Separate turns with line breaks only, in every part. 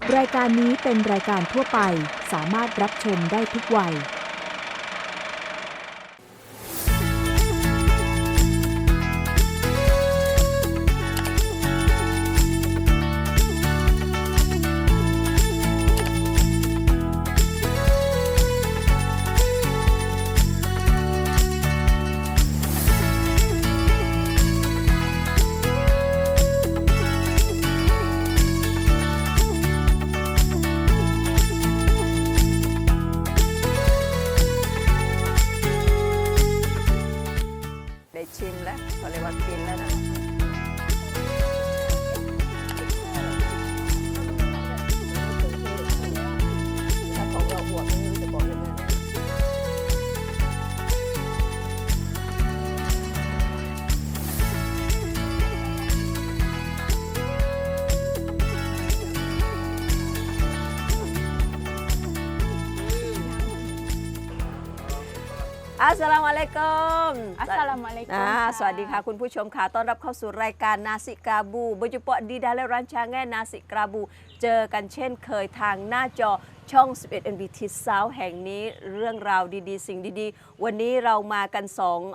รายการนี้เป็นรายการทั่วไปสามารถรับชมได้ทุกวัย
ชิมแล้วเขาเรียกว่ากินแล้วนะถ้าของเราบวกไม่รู้จะบอกยังไงอัสสลามุอะลัยกุม
อัสสลามุอะลัยกุม
สวัสดีค่ะคุณผู้ชมค่ะต้อนรับเข้าสู่รายการนาซิกราบูberjumpa di dalam rancangan nasi kerabu เจอกันเช่นเคยทางหน้าจอช่อง 11 NBT South แห่งนี้เรื่องราวดีๆสิ่งดีๆวันนี้เรามากัน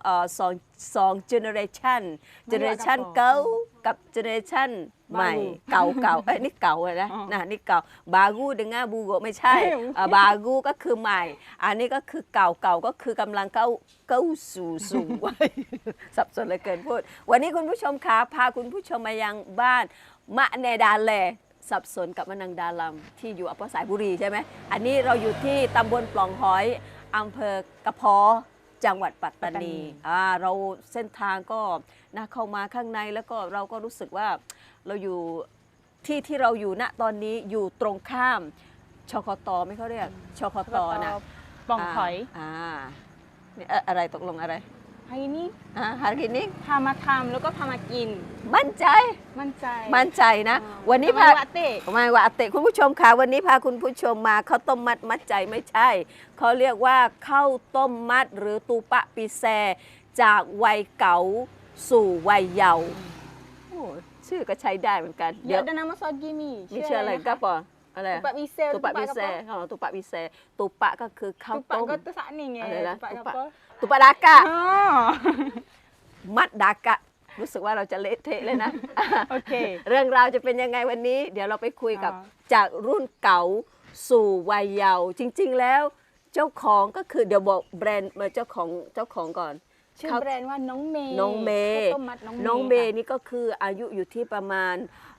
2 generation เก่ากับ generation ใหม่เก่านี่เก่าเลยนะนี่เก่าบากูดึงง่าบูโกไม่ใช่บากูก็คือใหม่อันนี้ก็คือเก่าก็คือกำลังเข้าสู่วัยสับสนเลยเกินพูดวันนี้คุณผู้ชมคะพาคุณผู้ชมมายังบ้านมะเนดาแลสับสนกับมะนังดาลัมที่อยู่อำเภอสายบุรีใช่ไหมอันนี้เราอยู่ที่ตำบลปล่องหอยอำเภอกระเพาะจังหวัดปัตตานีเราเส้นทางก็นะเข้ามาข้างในแล้วก็เราก็รู้สึกว่าเราอยู่ที่เราอยู่ณตอนนี้อยู่ตรงข้ามชคตไม่เขาเรียกชคตนะ
ปล่องหอย
นี่อะไรตกลงอะไร
ไอ้นี่
ฮารินี่
พามาทำแล้วก็พามากิน
มั่นใจนะวันนี้พาไม่ว่าเตะคุณผู้ชมค่ะวันนี้พาคุณผู้ชมมาข้าวต้มมัดใจไม่ใช่เขาเรียกว่าข้าวต้มมัดหรือตูปะปีแซจากวัยเก่าสู่วัยเยาว์ชื่อก็ใช้ได้เหมือนกัน
เดี๋ยวnama sogi mi
มีชื่ออะไรก็ปออะไร
ตูปะปีแซ
ตูปะปีแซตูปะปีแซตูปะก็คือข้าวต้ม
ตูปะก็ตัวสักนี่ไง
ตูปะดากะมัดดากะรู้สึกว่าเราจะเละเทะเลยนะ
โอเค
เรื่องราวจะเป็นยังไงวันนี้เดี๋ยวเราไปคุยกับจากรุ่นเก่าสู่วัยเยาว์จริงๆแล้วเจ้าของก็คือเดี๋ยวบอกแบรนด์มาเจ้าของก่อน
ชื่อแบรนด์ว่าน้องเมย์
น้องเมย์นี่ก็คืออายุอยู่ที่ประมาณ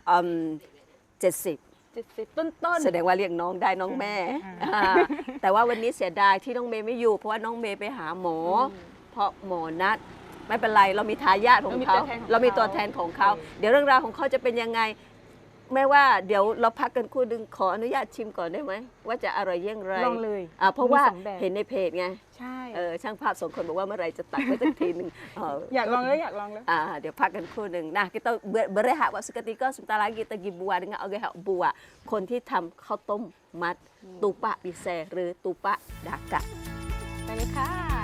70
ต้น
แสดงว่าเรียกน้องได้น้องแม่แต่ว่าวันนี้เสียดายที่น้องเมย์ไม่อยู่เพราะว่าน้องเมย์ไปหาหมอเพราะหมอนัดไม่เป็นไรเรามีทายาทของเขาเรามีตัวแทนของเขาเดี๋ยวเรื่องราวของเขาจะเป็นยังไงแม้ว่าเดี๋ยวเราพักกันคู่ดึงขออนุญาตชิมก่อนได้ไหมว่าจะอร่อยยังไง
ลองเลย
เพราะว่าเห็นในเพจไง
ใช่
ช่างภาพ2 คนบอกว่าเมื่อไรจะตัดไว้สักทีหนึ่ง
อยากลองเลย
เดี๋ยวพักกันคู่หนึ่งนะkita berehat waktu seketika sebentar lagi kita pergi buat dengan orang yang buat คนที่ทำข้าวต้มมัดตูปะปีแซหรือตูปะดากะ
ไปเลยค่ะ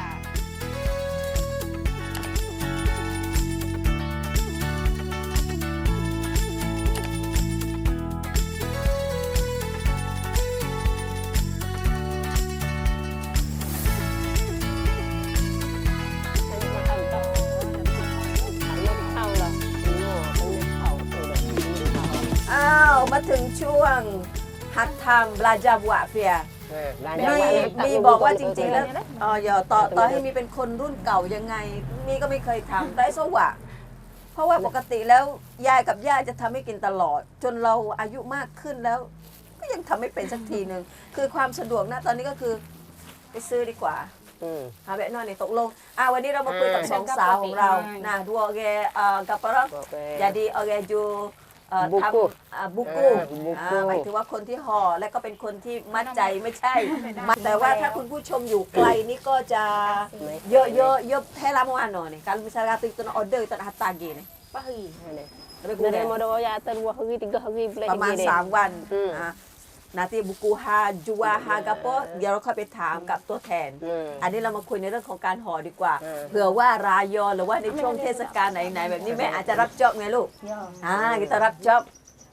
มาถึงช่วงหัดทำบลาจาบัวเฟียมีบอกว่าจริงๆแล้วอย่าต่อให้มีเป็นคนรุ่นเก่ายังไงมีก็ไม่เคยทำได้สวะเพราะว่าปกติแล้วยายกับย่าจะทำให้กินตลอดจนเราอายุมากขึ้นแล้วก็ยังทำไม่เป็นสักทีหนึ่งคือความสะดวกนะตอนนี้ก็คือไปซื้อดีกว่าแบบนอนนี่ตกลงวันนี้เรามาคุยกับ2 สาวของเรานะดูโอเคกับปะรอjadi oke juทำบุกูหมายถึงว่าคนที่ห่อและก็เป็นคนที่มัดใจไม่ใช่แต่ว่าถ้าคุณผู้ชมอยู่ไกลนี่ก็จะเยอะให้ลามาหน่อยนี่kalau misalnya itu nak order itu nak hantar lagi ni
dari modal ya 2 hari 3 hari
ประมาณ3 วันนาทีบุกูฮาจัวฮากะโปเดี๋ยวเราค่อยไปถามกับตัวแทนอันนี้เรามาคุยในเรื่องของการห่อดีกว่าเผื่อว่ารายอหรือว่าในช่วงเทศกาลไหนๆแบบนี้แม่อาจจะรับจ็อบไงลูกkitaรับจ็อบ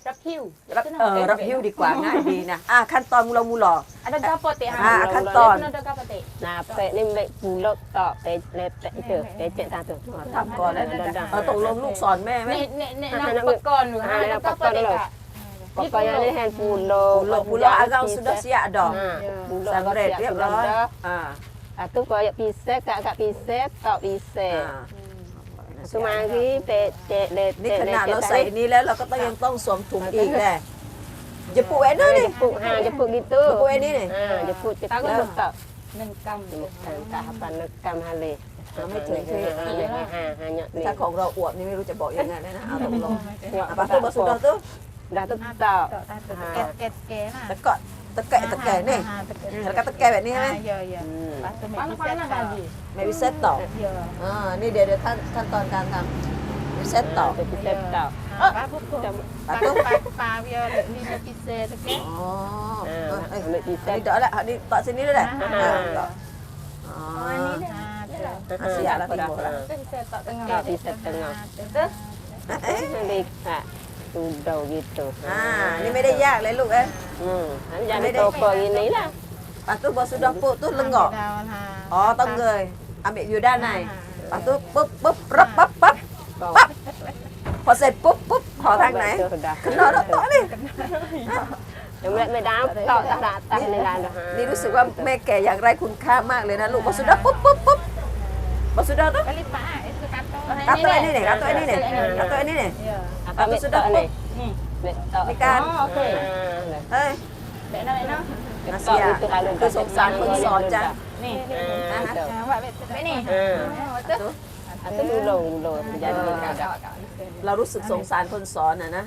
รับหิ้ว
รับหิ้วดีกว่าง่ายดีนะขั้นตอนมูหล่อ
ada gapo te
kanton.
ada gapo te
Nah, pe ni mek pulak tak pe lepek tu, lecek tak tu.
ทำก่อนแล้วตกลงลูกสอนแม่ไหม
nek nak pekon lu ada gapo te kak
Pokoknya ni hand pulak.
Pulau Agam sudah siap dah.
Pulak
Sampai red dah.
Tu kau pisek kak pisek tak pisek. Semanggi pe cek
นี่ขนาดเราใส่นี้แล้วเราก็ต้องยังต้องสวมถุงอีกแหละจะปูไอ้นั่นนี่
jepuk gitu.
Jepuk ini ni.
Jepuk cetak tak.
1 กำ
Tak apa nekam hale.
ไม่ถึงที่
hanya ni.
ถ้าของเราอวบนี่ไม่รู้จะบอกยังไงนะเอาตกลงapa tu maksud dah tu
Dah tetap.
เกะๆน่ะ
ตะกะตะแกนี่แล้วก็ตะแกแบบนี้ใช่ไหม
ya patu mek panas lagi
ไม่วิเศษต่อ
ya
นี่เดี๋ยวขั้นตอนการทำวิเศษต่อ
Tetap tak.
pa put pa dia ni nak pisah tu ke
อ๋อ
Ambil
นี่
pisek.
เดี๋ยวแหละนี่ต่อสนี้เลยแหละอ๋อ siap lah timbul lah.
pisah tak tengah
Tak pisek tengah. Balik tak. Sudah gitu.
นี่ไม่ได้ยากเลยลูกเอ้ย
Jadi toko ini lah.
Lepas tu bos sudah puk tu lenggok. Oh, tong gơi. Ambil vô đan này. Lepas tu búp búp rấp bắp bắp. Bắp.พอเสร็จปุ๊บปุ๊บขอทางไหนขึ้นนอนแล้วต่อนี่
Yang mulai medam tak tak ni lah.
นี่รู้สึกว่าแม่แก่อย่างไรคุณค่ามากเลยนะลูกบอสุดาปุ๊บปุ๊บปุ๊บบอสุดาตุ๊บ
kali pak itu kantor
รับตัวนี้เนี่ยรับตัวนี้เนี่ยรับตัวนี้เนี่ย
Apa mek tak ni? Mek tak.
ในการ
okey
เฮ้ย
dek nak
นาเซียคือสงสารคนสอนจัง
ni
Betul.
awak bet ni betul
Atau dulu jadi ada.
เรารู้สึกสงสารคนสอนนะ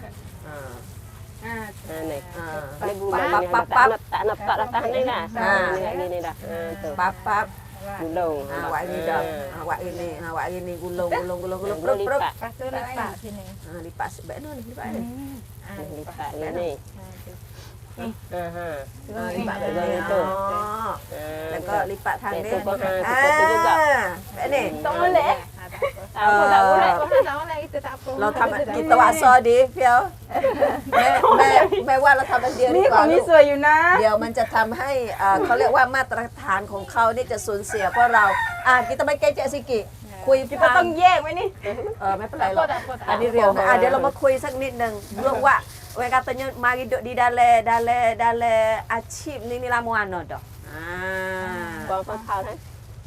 Ni.
ปั๊บปั๊บปั๊บ
Tak nak datang ni lah. Ni dah. Tu.
ปั๊บปั๊บ
Dulu.
awak ini dah awak ini gulung perut perut
lepas tu lipat sini
lipat sebab ni lipat ni
Lipat ni.
lipatแบบนี้แล้วก็ลิปะทางนี้
juga.
แบบนี้
tak boleh
Apa tak boleh.
tak boleh itu tak apa
เราทำกิตวะซอดีเพียวแม่ว่าเราทำอันเดียวดีกว่าลูก
สวยอยู่นะ
เดี๋ยวมันจะทำให้เขาเรียกว่ามาตรฐานของเขานี่จะสูญเสียเพราะเรากิตไม่เกจสิกิคุย
kita ต้องแยกไว้นี่
ไม่เป็นไรหรอกอันนี้เรียวนะเดี๋ยวเรามาคุยสักนิดนึงเรื่องว่าเวลาkatanya mari duduk di dalam achieve ni lama ano dah
Con thao thế.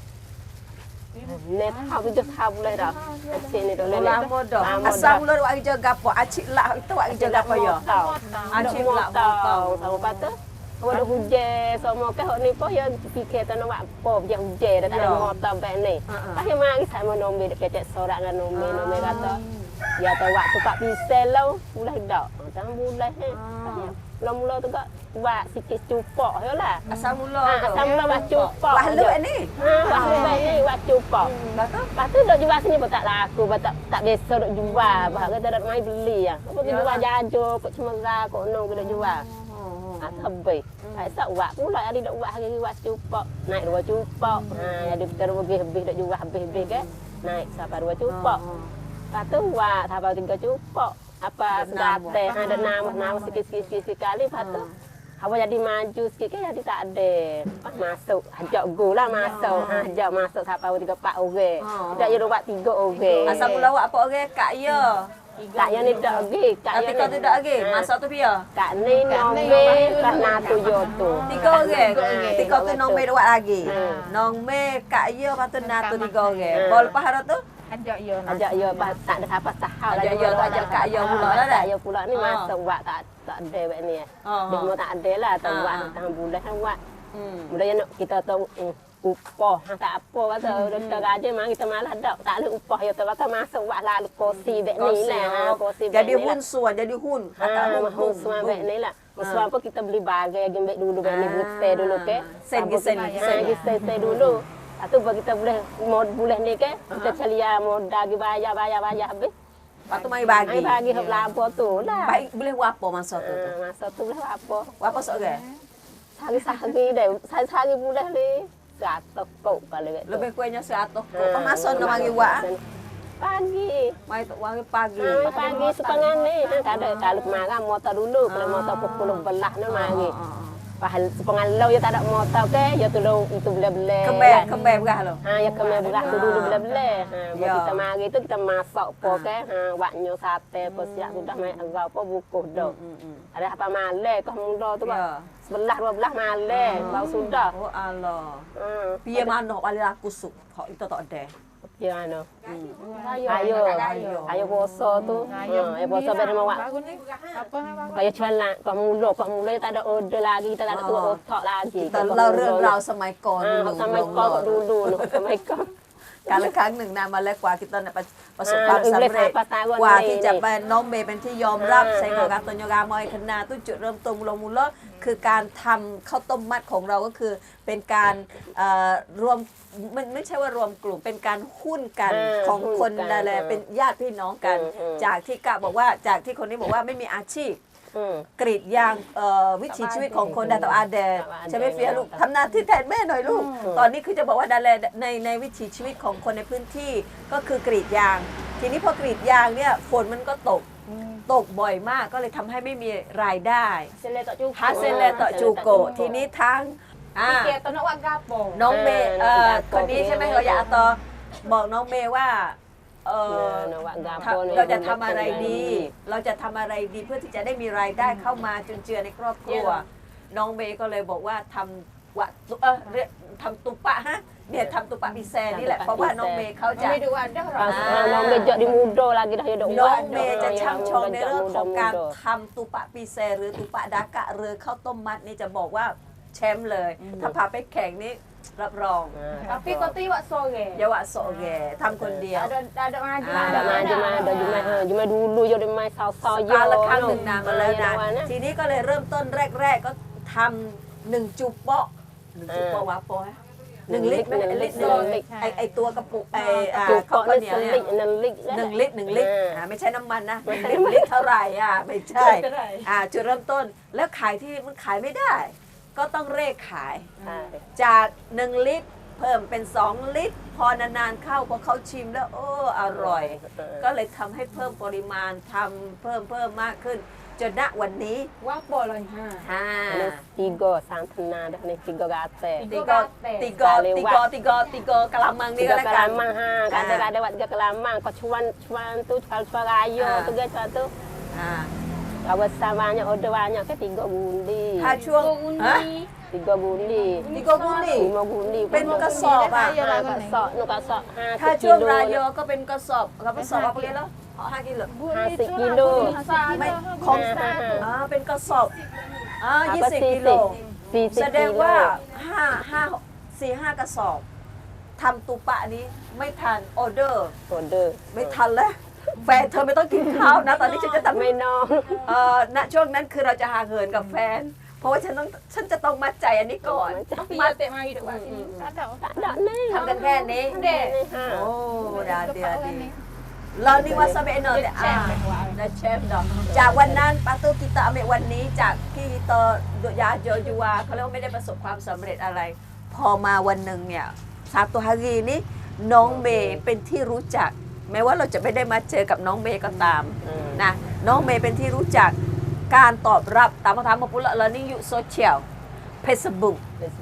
Net thao bây giờ thao boleh dah. Asyik ni boleh.
lama dah asal mula awak kerja gapo achieve lah itu awak kerja gapo ya
Asyik lah tahu sama patut. Awak dah hujan semua ke hok ni pun yang fikir tak nak apa dia hujan dah tak ada motor baik ni. Pasti mari sama nombe dekat cek sorak dengan nombe kata. Ya tahu waktu pak pisel lah boleh dak. Jangan boleh he. Mula-mula tu kak buat sikit cupok je lah.
asal mula
Asal mula buat cupok.
wah lu ni
Wah lu ni buat cupok. Lepas tu duk jual sini pun tak laku, tak biasa duk jual. Bahawa kita dak mai beli ah. Apa kita jual jajo, kok cemara, kok nong kita jual. Habis. Tak buat pula hari dak buat hari buat cupok. Naik 2 cupok. Jadi kita habis dak jual habis-habis ke. Naik sampai 2 cupok. Lepas tu buat sampai 3 cupok. Apa sedate ada nama sikit-sikit sekali. Lepas tu apa jadi maju sikit kan jadi tak ada. Masuk ajak go lah masuk. Ajak masuk sampai 3 4 orang. Tak ada buat 3 orang.
asal mula awak apa orang kak ya
Kak yang ni dak lagi. Kak
tapi kau tu tak lagi masa tu pia
Kak ni nombe kelas natu yo tu.
3 orang 3 tu nong me dawat lagi nong me kak ya patut natu 3 orang bol lepas hari tu
ajak yo
Ajak yo tak ada siapa sahau
Ajak yo tu ajak Kak yo pula lah dah.
Kak yo pula ni masuk buat tak ada buat ni. Dia mau tak ada lah tak buat tang bulan kan buat. Mudahnya nak kita tahu upah tak apa kata dah gaji mah kita malah tak ada upah ya kata masuk buat lah kursi buat ni lah kursi
jadi hun suan jadi hun kata
hun semua buat ni lah. Sebab apa kita beli bagai gembek dulu buat ni buat dulu ke. Sen dulu. Atau bagi kita boleh bulan ni ke kita celia modal gi bayar habis.
Lepas tu mai bagi.
Mai bagi hok lapo tu lah.
Baik boleh wapo masa tu.
Masa tu boleh apa?
Wapo sok ke?
Sehari deh. Sehari boleh ni. 100 kok kali.
Lebih kuenya 100 kok. Apa masa nak bagi wak?
pagi.
Mai wangi pagi.
Pagi setengah nih, kan kalau makan motor dulu, kalau motor pukul belah nih mari. Pahal setengah lau ya tak ada motor ke, ya tu lau itu bela-bela.
Kembang berah lo.
Ya kembang belah tu dulu bela-bela. Buat kita mari tu kita masak po ke, waknya sate po siap sudah mai agak po bukuh dah. Ada apa malah kau mula tu pak. Sebelah 12 malah, baru sudah.
Oh Allah. Piye manuk paling aku suk. Kok itu tak ada.
Ya ano. Ayo puasa tu. Ayo puasa ber mau wak. Kayak celak, kau mula tak ada order lagi, tak ada tua otak lagi.
แต่เล่าเรื่องราวสมัยก่อน
สมัยก่อนduluสมัยก่อน
การละครั้งหนึ่งนานมาแล้วกว่าkitaประสบความสำเร็จกว่าที่จะเป็นน้องเมย์เป็นที่ยอมรับใช้งานการตัวยกามอยคณาตุ้จุดเริ่มต้นลงมูลคือการทำข้าวต้มมัดของเราก็คือเป็นการรวมมันไม่ใช่ว่ารวมกลุ่มเป็นการหุ้นกันของคนอะไรเป็นญาติพี่น้องกันจากที่กะบอกว่าจากที่คนนี้บอกว่าไม่มีอาชีพกรีดยางวิถีชีวิตของคนดาตอาเดใช่ไหมเฟียลูกทำหน้าที่แทนแม่หน่อยลูกตอนนี้คือจะบอกว่าดาแลในวิถีชีวิตของคนในพื้นที่ก็คือกรีดยางทีนี้พอกรีดยางเนี่ยฝนมันก็ตกบ่อยมากก็เลยทำให้ไม่มีรายได้ฮาเซเลต่อจูโกทีนี้ทั้งน้องเมย์คนนี้ใช่ไหมเราอยากต่อบอกน้องเมย์ว่าเราจะทำอะไรดีเราจะทำอะไรดีเพื่อที่จะได้มีรายได้เข้ามาจุนเจือในครอบครัวน้องเมย์ก็เลยบอกว่าทำตุปะฮะเนี่ยทำตุปะพิเศษนี่แหละเพราะว่าน้องเมย์เขาจะ
น้องเมย์jadi muda lagi dah hidup
น้องเมย์จะช่ำชองในเรื่องของการทำตุปะพิเศษหรือตุปะดากะหรือข้าวต้มมัดนี่จะบอกว่าแชมป์เลยถ้าพาไปแข่งนี่รับรอง
Tapi kau tu buat sore.
อย่าว่าโซเกทำคนเดียว
Ada maju.
Ada cuma dulu je dia main saw-saw
การละครั้งหนึ่งนานมาแล้วนะทีนี้ก็เลยเริ่มต้นแรกๆก็ทำ1 จุบเปาะ1 จุบเปาะวะโปะ1 ลิตรไหมลิตรไอตัวกระปุกข้าวเหนียวเนี่ย1 ลิตรไม่ใช่น้ำมันนะ1 ลิตรเท่าไหร่ไม่ใช่จุดเริ่มต้นแล้วขายที่มันขายไม่ได้ก็ต้องเร่ขายจาก1 ลิตรเพิ่มเป็น2 ลิตรพอนานๆเข้าพอเขาชิมแล้วอร่อยก็เลยทำให้เพิ่มปริมาณทำเพิ่มมากขึ้นจนณวันนี้ว่าปอเลย
tiga santana dah ni 3 gate
ติโกกะละมังนี่ก็แล้วกัน
kelamang ada buat 3 kelamang kau cuan tu cuan raya tu guys tu kalau samanya order banyak ke 3 bundi
ถ้าช่วง
3 bundi
5 bundiเป็นกระสอบ
กระสอบ
ถ้าช่วงรายโยก็เป็นกระสอบกระสอบอะไรแล้ว5 กิโล
50 กิโล
ไม่ของเป็นกระสอบ20 กิโลแสดงว่า4-5 กระสอบทำตุปะนี้ไม่ทันออเดอร์ไม่ทันแล้วแฟนเธอไม่ต้องกินข้าวนะตอนนี้ฉันจะทำ
ไม่นอน
ณช่วงนั้นคือเราจะห่างเหินกับแฟนเพราะว่าฉันจะต้องมัดใจอันนี้ก่อน
มัดเตะมาอยู่ว่าที่นี่
ทำกันแค่นี้โอ้ดาเดียดีเรานี่ว่าสเปนเนอร์แต่เชฟดอกจากวันนั้นปาตูกิตาเมวันนี้จากที่ตอยาโจยูวาเขาเรียกว่าไม่ได้ประสบความสำเร็จอะไรพอมาวันหนึ่งเนี่ย1 hariนี้น้องเมย์เป็นที่รู้จักแม้ว่าเราจะไม่ได้มาเจอกับน้องเมย์ก็ตามนะน้องเมย์เป็นที่รู้จักการตอบรับตามคำถามมาปุ๊บแล้วนี่อยู่โซเชียลเฟซบุ๊ก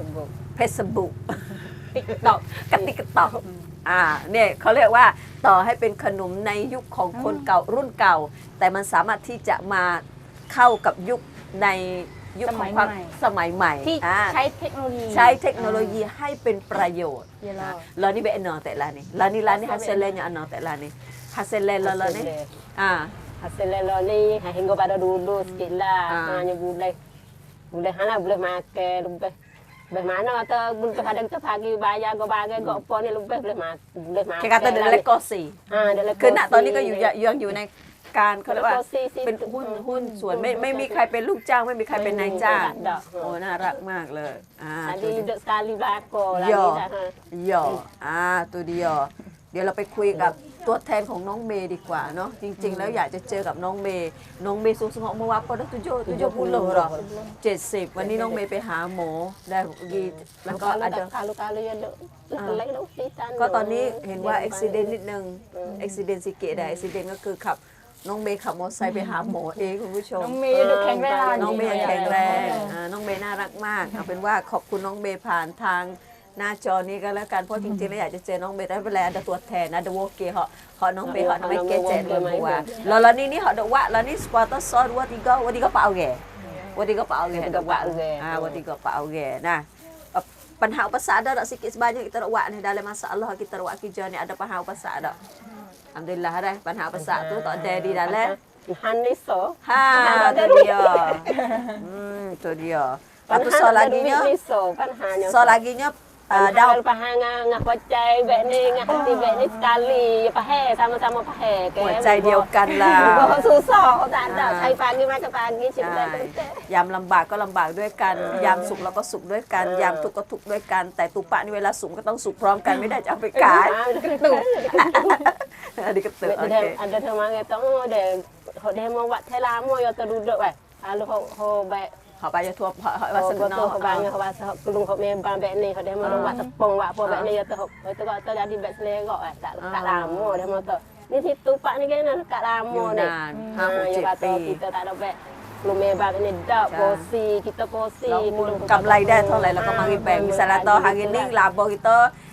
ติ๊กต็อกกับติ๊กต็อกเนี่ยเขาเรียกว่าต่อให้เป็นขนมในยุคของคนเก่ารุ่นเก่าแต่มันสามารถที่จะมาเข้ากับยุคในยุคของความสมัยใหม่
ที่ใช้เทคโนโลยี
ให้เป็นประโยชน์แล้วนี่เป็นแต่ละนี่แล้วนี่ฮัสเซเลนอย่างแต่ละนี่ฮัสเซเลนแล้วนี่
hasil ni hingga pada dulu sikit lah hanya boleh makan lebih mana atau boleh kadang tu pagi bayar go bagai go apa ni lebih boleh makan
แค่การตัวเด็กก็สี่คือณตอนนี้ก็ยังอยู่ในการเขาเรียกว่าเป็นหุ้นส่วนไม่มีใครเป็นลูกจ้างไม่มีใครเป็นนายจ้างโอ้น่ารักมากเลย
tadi duduk sekali belakang
lagi dahตัวเดียวเดี๋ยวเราไปคุยกับตัวแทนของน้องเมย์ดีกว่าเนาะจริง ๆ แล้วอยากจะเจอกับน้องเมย์สูงๆเมื่อวานพอได้70หรอ70วันนี้น้องเมย์ไปหาหมอได้ดีแล้วก็อาจจะ
kalau ya dok lek dok pisan
ก็ตอนนี้เห็นว่าอุบิเหตุนิดนึงอุบิเหตุสิเกตได้อุบิเหตุก็คือขับน้องเมย์ขับมอเตอร์ไซค์ไปหาหมอเองคุณผู้ชม
น้องเมย์ดูแข็งแรง
น้องเมย์แข็งแรงน้องเมย์น่ารักมากเอาเป็นว่าขอบคุณน้องเมย์ผ่านทางหน้าจอนี้ก็แล้วกันเพราะจริงๆแล้วอยากจะเจอน้องเมย์แต่เป็นไรadaตัวแทนada wakil họน้องเมย์họน้องเมย์เกเจดเลยว่าแล้วนี่họ đượcว่าแล้วนี่ supporter so ว่าที่ก็เป่าแก่ว่าที่ก็เป่าแก่ว่าที่ก็เป่าแก่นะปัญหาภาษาdah sikit sebanyak kita nak buat ni dalam masalah kita nak buat kerja ni adaปัญหาภาษาdah alhamdulillah dah ปัญหาภาษาtu tak ada di dalam
Haniso
tu dia tu dia lepas tu soal laginya soal laginya
Daun pahang ngah pacai bek ni ngah hati bek ni sekali pahe sama-sama pahe
หัวใจเดียวกันล่ะ
susah tak ada sai pagi macam pagi cinta
ยามลำบากก็ลำบากด้วยกันยามสุขเราก็สุขด้วยกันยามทุกข์ก็ทุกข์ด้วยกันแต่ตุปะนี่เวลาสุขก็ต้องสุขพร้อมกันไม่ได้จะเอาไปขายอันนี้ก็เตือนโอเค
ada teman kata oh dia mau buat telamo yo terduduk bai lalu ho baik
เขาไปจะทั่วเขาว่าสนุกเนาะ
เขาบางเขาว่าเขาลุงเขาเมย์บางแบบนี้เขาได้มาลงว่าตะปงว่าพวกแบบนี้ya tuh itu kok terjadiแบบเสลก็tak lama dia mau tu ni situ pak ni kan tak lama ni 5-6-7 ปี kita tak ada baikลุงเมย์บางนี่dak posi kita posi
กำไรได้เท่าไหร่เราก็มาแบ่ง misalnya toh hari ni labo kita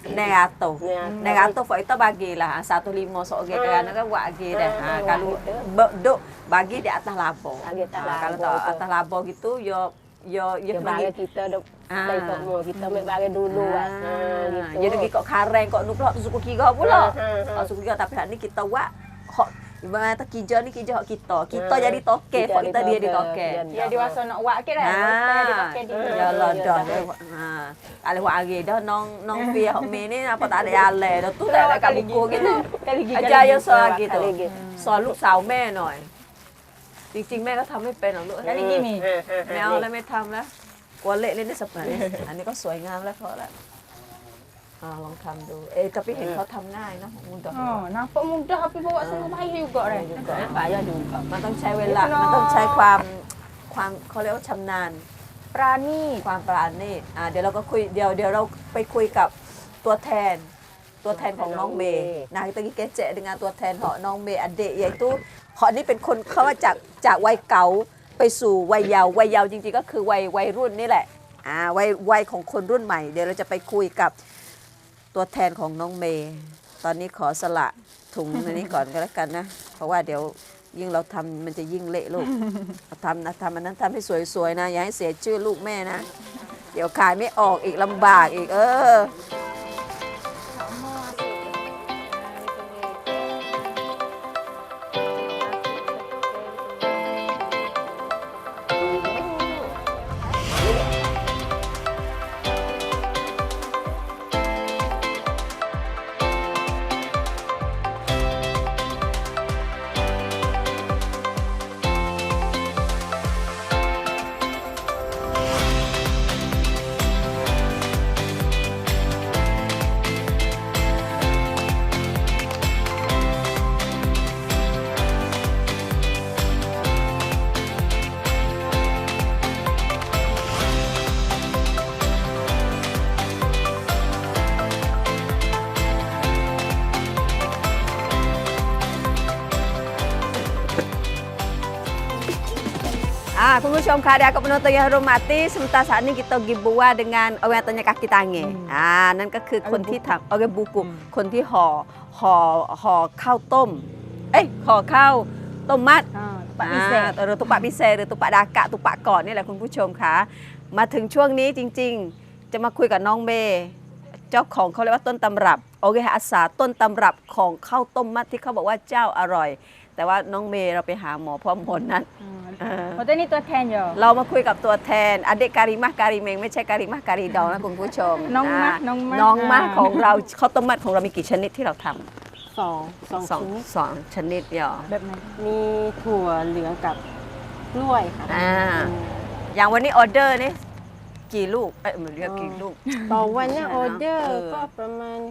900 kita bagilah 150 seorang kan kan buat lagi dah kalau duk bagi di atas labo kalau tak atas labo gitu yo
bagi kita duk dari semua kita mai bagi dulu gitu
jadi kok kareng kok nuplok suku kira pula suku kira tapi hari ni kita buat hok ibarat kata kerja ni kerja hak kita jadi toke hak kita dia di toke
dia diwasa nak buat ke dah dia pakai di
ya lah dah kalau buat lagi dah nong pia hok me ni apa tak ada ale dah tu dah kat buku gitu ajar yo soal gitu soal ลูกสาวแม่หน่อยจริงๆแม่ก็ทำไม่เป็นหรอกลูก
แล้วนี่กี่มี
ไม่เอาแล้วไม่ทำแล้วกลัวเละเล่นได้สักหน่อยอันนี้ก็สวยงามแล้วพอแล้วลองทำดูแต่พี่เห็นเขาทำง่ายนะมุนดอก
nampak mudah tapi bawa semua baik juga dah
มันต้องใช้เวลามันต้องใช้ความเขาเรียกว่าชำนาญ
berani
ความปราณีตเดี๋ยวเราก็คุยเดี๋ยวเราไปคุยกับตัวแทนของน้องเมย์นะตะกี้แกเจ๊denganตัวแทนของน้องเมย์อเดะyaituเขานี่เป็นคนเขาว่าจากวัยเก่าไปสู่วัยเยาว์จริงๆก็คือวัยรุ่นนี่แหละวัยของคนรุ่นใหม่เดี๋ยวเราจะไปคุยกับตัวแทนของน้องเมย์ตอนนี้ขอสละถุงอันนี้ก่อนก็แล้วกันนะเพราะว่าเดี๋ยวยิ่งเราทำมันจะยิ่งเละลูกทำอันนั้นทำให้สวยๆนะอย่าให้เสียชื่อลูกแม่นะเดี๋ยวขายไม่ออกอีกลำบากอีกคุณผู้ชมคะเดี๋ยวกับpenonton yang hormati sebentar saat ini kita gibua dengan orang yang tanya kaki tangan นั่นก็คือคนที่ทำorang buku คนที่ห่อข้าวต้มห่อข้าวต้มมัดหรือตุปะพิเศษหรือตุปะดากะตุปะก่อนนี่แหละคุณผู้ชมคะมาถึงช่วงนี้จริงๆจะมาคุยกับน้องเมย์เจ้าของเขาเรียกว่าต้นตำรับโอเคอาสาต้นตำรับของข้าวต้มมัดที่เขาบอกว่าเจ้าอร่อยแต่ว่าน้องเมย์เราไปหาหมอพร้อมผลนั้น
ตัวนี้ตัวแทนอยู่
เรามาคุยกับตัวแทนอเดกการิมะการิเมงไม่ใช่การิมะการิดองนะคุณผู้ชม
น้องมะ
ของเราข้าวต้มมัดของเรามีกี่ชนิดที่เราทำ
สอง
ชนิดเดียว
แบบไหน
มีถั่วเหลืองกับกล้วยค่ะ
อย่างวันนี้ออเดอร์นี่กี่ลูกเหมือนเรียกกี่ลูก
ต่อวันเนี่ยออเดอร์ก็ประมาณ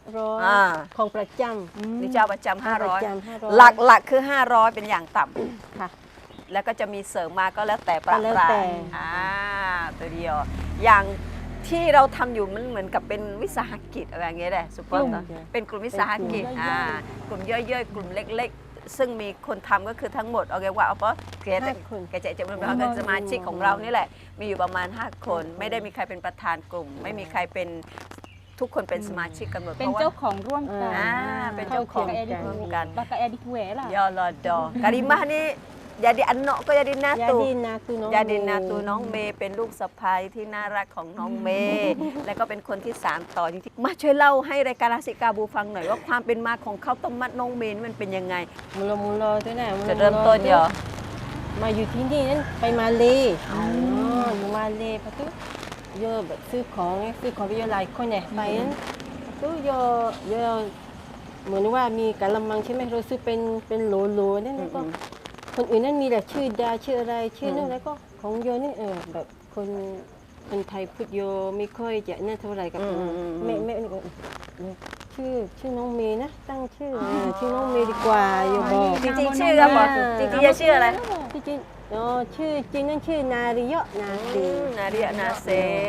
ร้อย
อ่า
ของประจ
นี่เจ้าประจำ
ำประจำ
500
500
หลักคือ 500 เป็นอย่างต่ำ
ค่ะ
แล้วก็จะมีเสริมมาก็แล้วแต่ประ
ก็แล้ว
ปราย
แต่
ตัวเดียว อย่างที่เราทำอยู่มันเหมือนกับเป็นวิสาหกิจอะไรอย่างเงี้ยแหละสุปเปอร์เป็นกลุ่มวิสาหกิจกลุ่มย่อยๆ กลุ่มเล็กๆ ซึ่งมีคนทำก็คือทั้งหมดเอาไงว่าเอาเพราะแกจะเป็นสมาชิกของเรานี่แหละ มีอยู่ประมาณ 5 คน ไม่ได้มีใครเป็นประธานกลุ่ม ไม่มีใครเป็นทุกคนเป็นสมาชิกกันหมด
เป็นเจ้าของร่วมกัน
เป็นเจ้าของ
ร่วมกันบักกะแอดิเวล่ะ
ยอลอดอการิมahนี่jadi anakก็jadi natu
ยาดินนาตูน้อง
ยาดินนาตูน้องเมย์เป็นลูกสะใภ้ที่น่ารักของน้องเมย์และก็เป็นคนที่สานต่อจริงๆมาช่วยเล่าให้รายการราศีกาบูฟังหน่อยว่าความเป็นมาของข้าวต้มมัดน้องเมย์นี่มันเป็นยังไง
มูลตัวไหน
จะเริ่มต้นเหรอ
มาอยู่ที่นี่นั้นไปมาเลอยู่มาเลพะตุเยอะแบบซื้อของไปเยอะหลายคนเนี่ยไปนั้นพะตุเยอะเหมือนว่ามีกะละมังใช่ไหมเราซื้อเป็นโหลนั่นแล้วก็คนอื่นนั่นมีแต่ชื่อดาชื่ออะไรชื่อนั่นแล้วก็ของโยนี่แบบคนไทยพูดโยไม่ค่อยจะนั่นเท่าไหร่กับแม่นี่ก็ชื่อน้องเมย์นะตั้งชื่อน้องเมย์ดีกว่าโยบอก
จริงๆชื่อครับบอกจริงๆจะชื่ออะไร
จริงชื่อจริงนั่นชื่อนาริยะนาซี
นาเรียนาเซ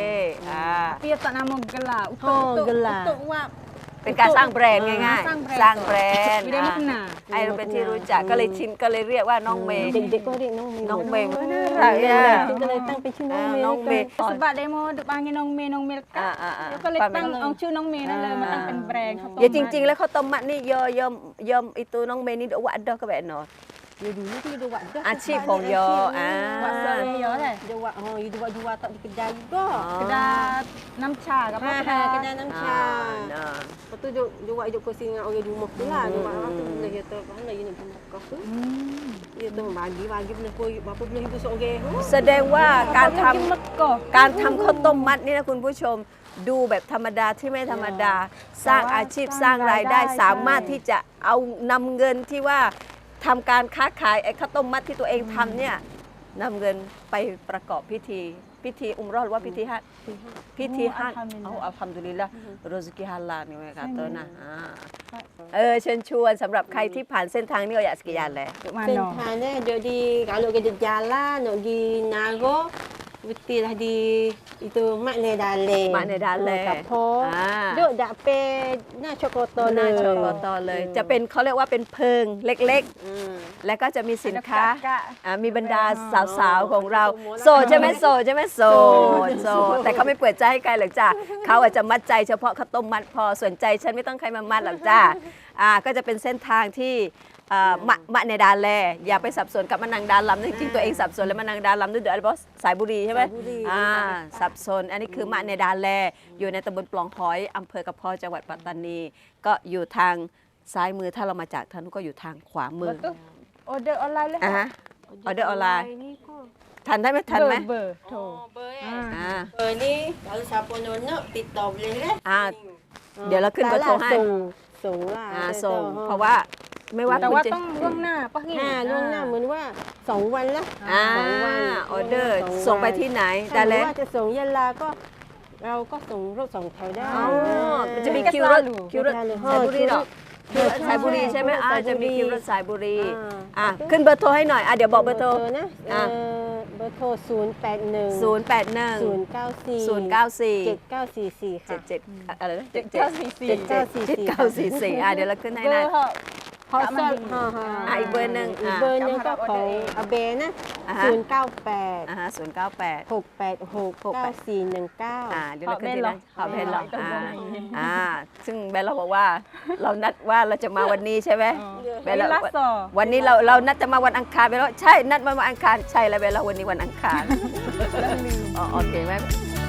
Pia tak nama gelar
gelar.
untuk wap
เป็นการสร้างแบรนด์ง่ายๆ สร้างแบรนด์
ไม่ได้มาขนาด
ให้เราเป็นที่รู้จักก็เลยชินก็เลยเรียกว่าน้องเมย์
เด็กๆก็เรียกน้องเมย์
น้องเมย์
น่า
รั
รั
ก
ก
เนี่ย
ก็เลยตั้งเป็นชื่อน้องเมย์
น้องเมย์
sebab demo duk panggil Nong Mei Nong Mei แล้วก็เลยตั้งเอาชื่อน้องเมย์นั่นเลยมาตั้งเป็นแบรนด์ข้าวต้ม
Ya jing-jing lah kau tomat ni yo itu nong me ni dok wak dah ke baik no.
อยู่ดูนี่ที่ดูวัดด้วย
อาชีพของโย
Buat saya ya kan
ดูวัดอยู่ดูวัดtak di kedai juga
kedai น้ำชากับ
kedai nam cha lepas tu dia buat hidup kursi dengan orang di rumah tu lah dia buat tu bila dia tu mana dia nak buat kau tu dia tu bagi benda pun berapa belah ibu seorang
แสดงว่าการท
กินมะกอก
ำการทำข้าวต้มมัดนี่นะคุณผู้ชมดูแบบธรรมดาที่ไม่ธรรมดา สร้างอาชีพสร้างรายได้สามารถที่จะเอานำเงินที่ว่าทำการค้าขายไอ้ข้าวต้มมัดที่ตัวเองทำเนี่ยนำเงินไปประกอบพิธีอุมเราะห์หรือว่าพิธีฮัจญ์พิธีฮัจญ์อัลฮัมดุลิลละรซกิฮาลาลนี่ไหมคะตัวนะเชิญชวนสำหรับใครที่ผ่านเส้นทางนี้ก็อยากสกิยานเลย
Sentana duk di kalau kita jalan duk di Naro betul lah di itu Makna Dale.
Makna Dale.
Kapal. Duk dak peหน้า Chokoto
หน้าชกตเลย จะเป็นเขาเรียกว่าเป็นเพิงเล็กๆ แล้วก็จะมีสินค้ามีบรรดาสาวๆของเราโสดใช่ไหมโสดแต่เขาไม่เปิดใจให้ใครหรอกจ้ะเขาอาจจะมัดใจเฉพาะข้าวต้มมัดพอสนใจฉันไม่ต้องใครมามัดหรอกจ้ะก็จะเป็นเส้นทางที่มะในดาแลอย่าไปสับสนกับมะนังดาลำจริงๆตัวเองสับสนแล้วมะนังดาลำด้วยเดี๋ยวอะไรบอสสายบุรีใช่ไหมสับสนอันนี้คือมะในดาแลอยู่ในตำบลปล่องหอยอำเภอกระเพาะจังหวัดปัตตานีก็อยู่ทางซ้ายมือถ้าเรามาจากทางนู้นก็อยู่ทางขวามือ
ออเดอร์ออนไลน์เลย
ออเดอร์ออนไลน์ทันได้ไหมทันไหม
เบอร์โทร
Ber ni kalau siapa nak TikTok boleh kan?
เดี๋ยวเราขึ้นเบอร์โทรให้
ส่งล่ะ
ส่งเพราะว่าไม่ว่า
แต่
คุณ
ว่า
จะ
ต้องล่วงหน้าปะพี่
ล่วงหน้าเหมือนว่า2วันละ
ออเดอร์ส่งไปที่ไหน
ถ้า
ได้แล้ว
ว่าจะส่งยะลาก็เราก็ส่งรถ2แถวได้
มันจะมีคิวรถสายบุรีหรอสายบุรีใช่ไหมจะมีคิวรถสายบุรีขึ้นเบอร์โทรให้หน่อยเดี๋ยวบอกเบอร์โทร
นะเบอร์โทร081 094
794 อะไรนะ7944
7944
เดี๋ยวเราขึ้นให้
เบอ
นะ
ร์เขา
ฮอส
อีกเบอร์หนึ่ง
เบอร์หนึ่งก็ของอาเบนะ098
098
686 9419
เดี๋ยวเราขึ้นที่นั้นขอเพนหรอซึ่งแบนเราบอกว่าเรานัดว่าเราจะมาวันนี้ใช่ไหมแบนเราวันนี้เรานัดจะมาวันอังคารไปแล้วใช่นัดมาวันอังคารใช่แล้วแบนเราวันนี้วันอังคารโอเคไหม